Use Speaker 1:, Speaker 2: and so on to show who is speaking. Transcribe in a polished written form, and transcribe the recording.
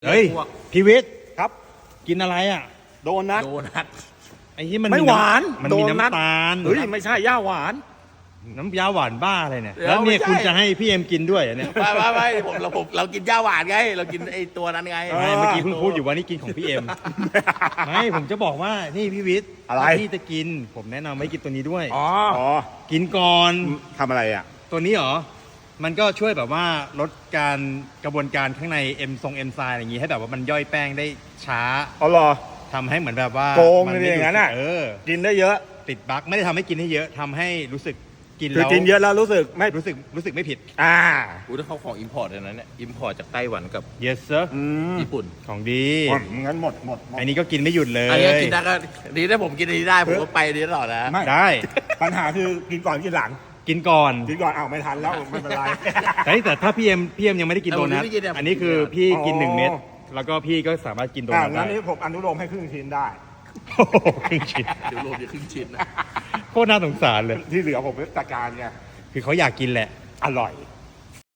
Speaker 1: เฮ้ยพีวิทย์
Speaker 2: ครับ
Speaker 1: กินอะไรอ่ะ
Speaker 2: โดนัท
Speaker 3: โดนัท
Speaker 1: ไอ้ที่มัน
Speaker 2: ไม่หวาน
Speaker 1: มัน
Speaker 2: โด
Speaker 1: มี
Speaker 2: นัท
Speaker 1: น้ำตาล
Speaker 2: เฮ้ยไม่ใช่ย่าหวาน
Speaker 1: น้ำยาหวานบ้าอะไรเนี่ย
Speaker 3: เดี๋ยว
Speaker 1: แล้วเนี่ย
Speaker 3: ไม่ใช่
Speaker 1: คุณจะให้พี่เอ็มกินด้วยเหรอเนี่ย
Speaker 3: ไม่เรากินย่าหวานไงเรากินไอ้ตัวนั้นไง
Speaker 1: ไม่เมื่อกี้เพิ่งพูดอยู่ว่านี่กินของพี่เอ็มไม่ผมจะบอกว่านี่พี่วิทย์
Speaker 2: อะไร
Speaker 1: ถ้าพี่จะกิน ผมแนะนำให้กินตัวนี้ด้วย
Speaker 3: อ๋อ
Speaker 2: อ๋อ
Speaker 1: กินก่อน
Speaker 2: ทำอะไรอ่ะ
Speaker 1: ตัวนี้เหรอมันก็ช่วยแบบว่าลดการกระบวนการข้างในเอ็มไซม์อะไรอย่างงี้ให้แบบว่ามันย่อยแป้งได้ช้า
Speaker 2: อ๋อเหรอ
Speaker 1: ทำให้เหมือนแบบว่า
Speaker 2: โกง
Speaker 1: มั
Speaker 2: เลย
Speaker 1: ไม่
Speaker 2: อย่างนั้นน่ะ กินได้เยอะ
Speaker 1: ติดบั๊กไม่ได้ทำให้กินให้เยอะทำให้รู้สึกกิน
Speaker 2: คือ
Speaker 1: แล้ว
Speaker 2: กินเยอะแล้วรู้สึกไม่
Speaker 1: รู้สึกไม่ผิด
Speaker 2: อ่า
Speaker 3: อู้ถ้าเขาของอิมพอร์ตนั้นเนี่ยอิมพอร์ตจากไต้หวันกับ
Speaker 1: yes sir
Speaker 2: อืม
Speaker 3: ญี่ปุ่น
Speaker 1: ของดี
Speaker 2: งั้นหมด
Speaker 1: อันนี้ก็กินไม่หยุดเลย
Speaker 3: อันนี้กินได้ก็ดีถ้าผมกินอันนี้ได้ผมก็ไปอันนี้ตลอดนะ
Speaker 2: ไม่
Speaker 1: ได้
Speaker 2: ปัญหาคือกินก่อนกินหลัง
Speaker 1: กินก่อน
Speaker 2: กินก่อนอ้าวไม่ทันแล้วไม่เป็นไร
Speaker 1: แต่ถ้าพี่เอ็มยังไม่ได้กินโดนัทอันนี้คือพี่กิน
Speaker 2: อ๋อ
Speaker 1: 1 เม็ดแล้วก็พี่ก็สามารถกินโด
Speaker 2: อ่า
Speaker 1: นัท
Speaker 2: งั้
Speaker 1: ได้
Speaker 2: นนี้ผมอนุโลมให้ครึ่งชิ้นได้
Speaker 1: โอ้โหครึ่งชิ้น
Speaker 3: เดี๋ยวรวมจะครึ่งชิ้นนะ
Speaker 1: โคตรน่าสงสารเลย
Speaker 2: ที่เหลือผมจัดการไง
Speaker 1: คือเขาอยากกินแหละ
Speaker 2: อร่อย